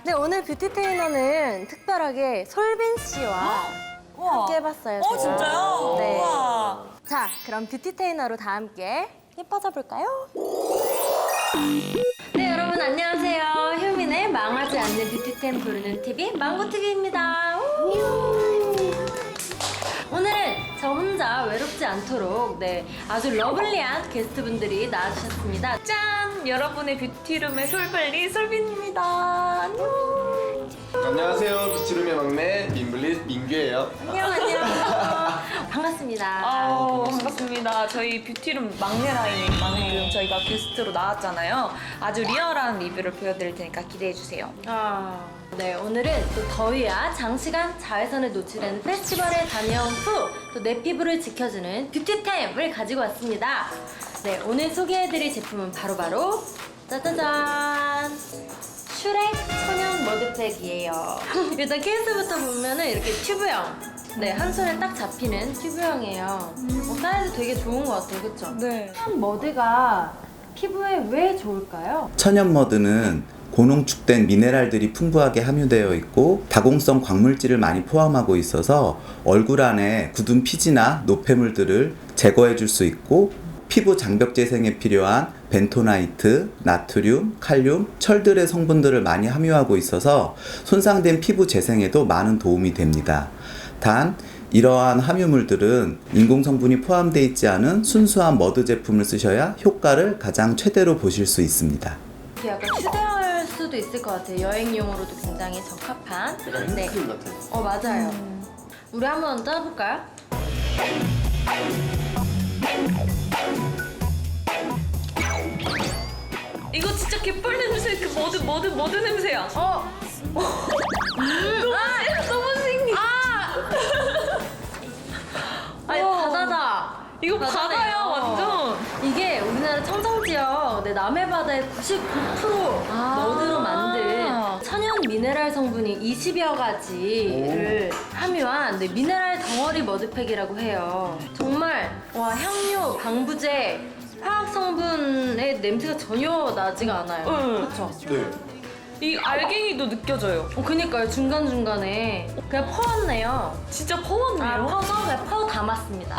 네, 오늘 뷰티 테이너는 특별하게 솔빈 씨와 함께 해봤어요. 제가. 진짜요? 네. 우와. 자, 그럼 뷰티 테이너로 다 함께 예뻐져 볼까요? 네, 여러분 안녕하세요. 효민의 망하지 않는 뷰티템 부르는 TV 망고TV입니다. 오늘은 저 혼자 외롭지 않도록 아주 러블리한 게스트분들이 나와주셨습니다. 짠! 여러분의 뷰티룸의 솔블리 솔빈입니다. 안녕. 안녕하세요. 뷰티룸의 막내 민블릿 민규예요. 안녕. 반갑습니다. 반갑습니다. 저희 뷰티룸 막내 라인인 만큼 저희가 게스트로 나왔잖아요. 아주 리얼한 리뷰를 보여드릴 테니까 기대해주세요. 네, 오늘은 또 더위와 장시간 자외선에 노출된 페스티벌에 다녀온 후 또 내 피부를 지켜주는 뷰티템을 가지고 왔습니다. 네, 오늘 소개해드릴 제품은 바로 짜자잔! 슈렉 천연 머드팩이에요. 일단 케이스부터 보면은 이렇게 튜브형. 네, 한 손에 딱 잡히는 튜브형이에요. 사이즈 되게 좋은 것 같아요, 그쵸? 네. 천연 머드가 피부에 왜 좋을까요? 천연 머드는 고농축된 미네랄들이 풍부하게 함유되어 있고 다공성 광물질을 많이 포함하고 있어서 얼굴 안에 굳은 피지나 노폐물들을 제거해 줄 수 있고 피부 장벽 재생에 필요한 벤토나이트, 나트륨, 칼륨, 철들의 성분들을 많이 함유하고 있어서 손상된 피부 재생에도 많은 도움이 됩니다. 단 이러한 함유물들은 인공 성분이 포함되어 있지 않은 순수한 머드 제품을 쓰셔야 효과를 가장 최대로 보실 수 있습니다. 이게 약간 휴대할 수도 있을 것 같아요. 여행용으로도 굉장히 적합한. 약간 핸드크림 같아요. 맞아요. 우리 한번 짜볼까요? 이거 진짜 개뻘 냄새, 그 머드 냄새야. 너무 신기해. 아니, 바다다. 이거 바다네요. 바다야, 완전. 이게 우리나라 청정지역 남해 바다의 99% 머드로 만든 천연 미네랄 성분이 20여 가지를 함유한 미네랄 덩어리 머드팩이라고 해요. 정말 향료, 방부제, 화학 성분의 냄새가 전혀 나지가 않아요. 그렇죠? 네. 이 알갱이도 느껴져요. 그니까요. 중간중간에 그냥 퍼왔네요. 진짜 퍼왔네요. 퍼서 그냥 퍼 담았습니다.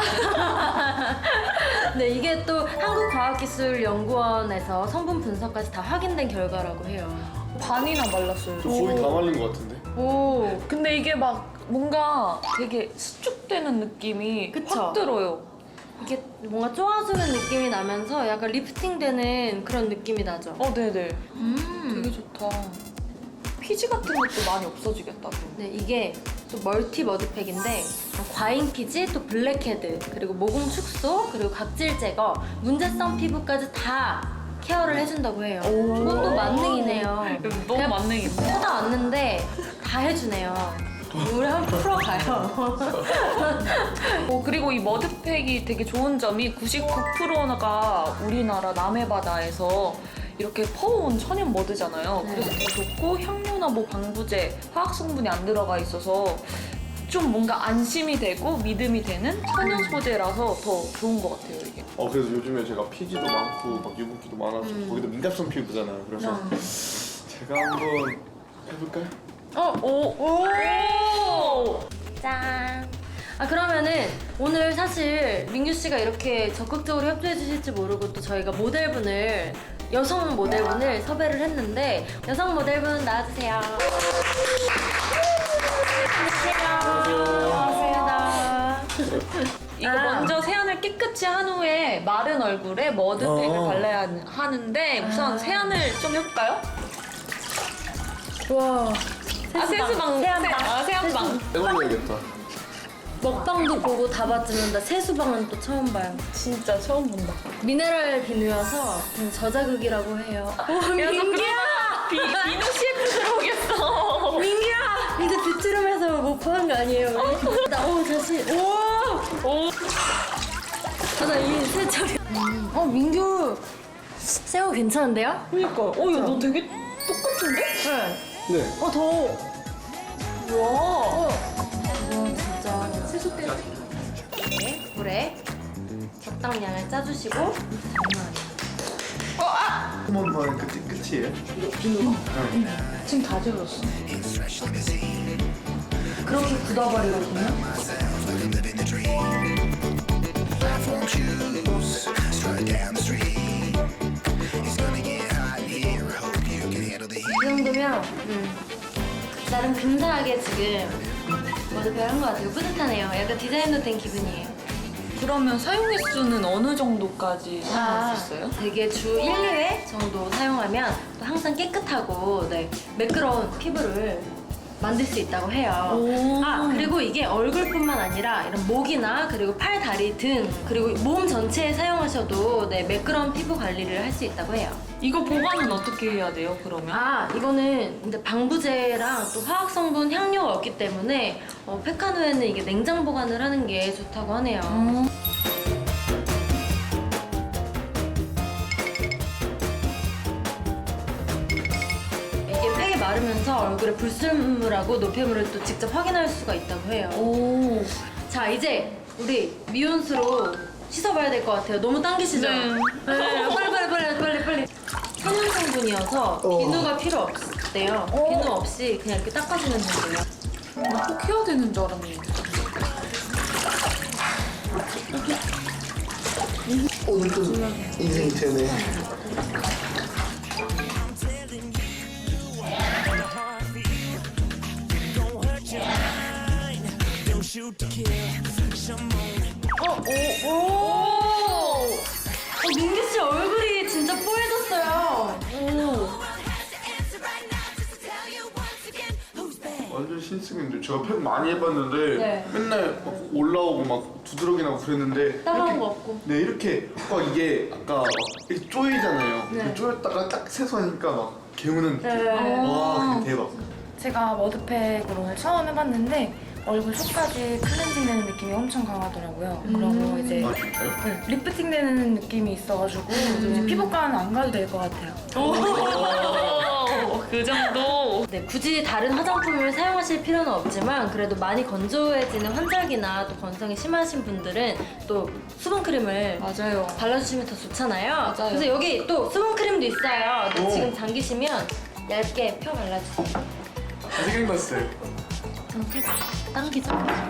네, 이게 또 한국과학기술연구원에서 성분 분석까지 다 확인된 결과라고 해요. 반이나 말랐어요. 저 거의 다 말린 것 같은데. 오, 근데 이게 막 뭔가 되게 수축되는 느낌이 그쵸? 확 들어요. 이게 뭔가 쪼아주는 느낌이 나면서 약간 리프팅되는 그런 느낌이 나죠? 네네. 되게 되게 좋다. 피지 같은 것도 많이 없어지겠다. 네, 이게 또 멀티 머드팩인데 과잉 피지, 또 블랙헤드, 그리고 모공 축소, 그리고 각질 제거, 문제성 피부까지 다 케어를 해준다고 해요. 그것도 만능이네요. 너무 그냥 만능인데? 하다 왔는데 다 해주네요. 우리 한번 풀어가요. 그리고 이 머드팩이 되게 좋은 점이 99%가 우리나라 남해바다에서 이렇게 퍼온 천연 머드잖아요. 네. 그래서 더 좋고 향료나 뭐 방부제, 화학 성분이 안 들어가 있어서 좀 뭔가 안심이 되고 믿음이 되는 천연 소재라서 더 좋은 것 같아요, 이게. 그래서 요즘에 제가 피지도 많고 막 유분기도 많아서 거기도 민감성 피부잖아요. 그래서 제가 한번 해볼까요? 오! 짠. 그러면은 오늘 사실 민규 씨가 이렇게 적극적으로 협조해 주실지 모르고 또 저희가 여성 모델분을 섭외를 했는데 여성 모델분 나와주세요. 반갑습니다. 이거 먼저 세안을 깨끗이 한 후에 마른 얼굴에 머드팩을 발라야 하는데 우선 세안을 좀 해볼까요? 와. 세수방. 세안방. 해볼래야겠다. 먹방도 보고 다 봤지만 나 세수방은 또 처음 봐요. 진짜 처음 본다. 미네랄 비누여서 저자극이라고 해요. 민규야! 비누 CF 들어오겠어. 민규야! 이제 뷰티룸에서 못 보는 거 아니에요, 우리? 다시. 나 이 세차리. 민규. 새우 괜찮은데요? 그니까. 야, 너 되게 똑같은데? 네. 네. 더워. 와. 진짜. 세수 때문에. 이렇게 물에 적당량을 짜주시고. 한 번만 그 끝이에요. 비누가 응. 지금 다 지워졌어. 그렇게 굳어버리거든요. 이 정도면 나름 근사하게 지금 머드팩을 한 것 같아요. 뿌듯하네요. 약간 디자인도 된 기분이에요. 그러면 사용 횟수는 어느 정도까지 사용할 수 있어요? 되게 주 1, 2회 정도 사용하면 또 항상 깨끗하고 네, 매끄러운 피부를 만들 수 있다고 해요. 오. 아, 그리고 이게 얼굴뿐만 아니라 이런 목이나 그리고 팔, 다리, 등 그리고 몸 전체에 사용하셔도 네, 매끄러운 피부 관리를 할 수 있다고 해요. 이거 보관은 어떻게 해야 돼요, 그러면? 아, 이거는 근데 방부제랑 또 화학 성분 향료가 없기 때문에 팩한 후에는 이게 냉장 보관을 하는 게 좋다고 하네요. 이게 팩이 마르면서 얼굴에 불순물하고 노폐물을 또 직접 확인할 수가 있다고 해요. 오. 자, 이제 우리 미온수로 씻어봐야 될 것 같아요. 너무 당기시죠? 네. 빨리. 천연 성분이어서 비누가 필요 없대요. 비누 없이 그냥 이렇게 닦아주면 된대요. 꼭 해야 되는 줄 알았는데. 오늘 또 인생 되네. 민규 씨 얼굴이 진짜 뽀얘졌어요. 완전 신승인데 제가 팩 많이 해봤는데 네. 맨날 막 올라오고 막 두드러기 나고 그랬는데 따가운 이렇게- 거 없고. 네 이렇게 막 이게 아까 막 이렇게 쪼이잖아요. 네. 쪼였다가 딱 세수하니까 막 개우는 네. 느낌. 와 그게 대박. 제가 머드팩으로 오늘 처음 해봤는데 얼굴 속까지 클렌징 되는 느낌이 엄청 강하더라고요. 그리고 이제 아 진짜요? 네, 리프팅 되는 느낌이 있어가지고 이제 피부과는 안 가도 될 것 같아요. 그 정도? 네, 굳이 다른 화장품을 사용하실 필요는 없지만 그래도 많이 건조해지는 환절기나 또 건성이 심하신 분들은 또 수분크림을 맞아요. 발라주시면 더 좋잖아요. 맞아요. 그래서 여기 또 수분크림도 있어요. 근데 오. 지금 당기시면 얇게 펴 발라주세요. 생각났어요. 이렇게 당기죠.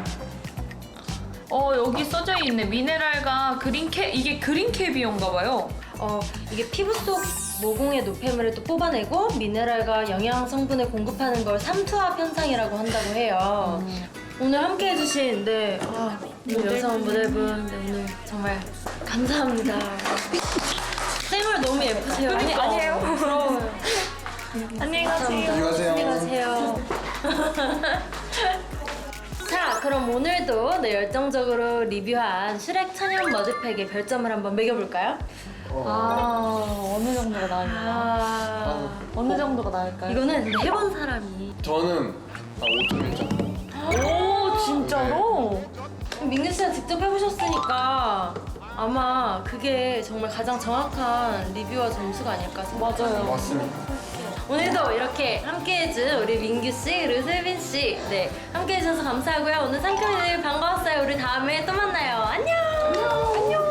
여기 써져 있네. 미네랄과 그린캡. 이게 그린캡이온가 봐요. 이게 피부 속 모공의 노폐물을 또 뽑아내고 미네랄과 영양 성분을 공급하는 걸 삼투압 현상이라고 한다고 해요. 오늘 함께 해주신 여성 모델분 오늘 정말 감사합니다. 쌩얼 너무 예쁘세요. 아니에요. 부러워요. 안녕히 가세요. 안녕히 가세요. 자, 그럼 오늘도 열정적으로 리뷰한 슈렉 천연 머드팩의 별점을 한번 매겨볼까요? 어느 정도가 나을까요? 어느 정도가 나을까요? 이거는 근데 해본 사람이 저는 5.1점. 오, 진짜로? 민규 씨가 직접 해보셨으니까 아마 그게 정말 가장 정확한 리뷰와 점수가 아닐까 생각해요. 맞아요. 맞습니다. 오늘도 이렇게 함께해준 우리 민규 씨 그리고 슬빈 씨, 네 함께해주셔서 감사하고요. 오늘 상큼이들 반가웠어요. 우리 다음에 또 만나요. 안녕. 안녕.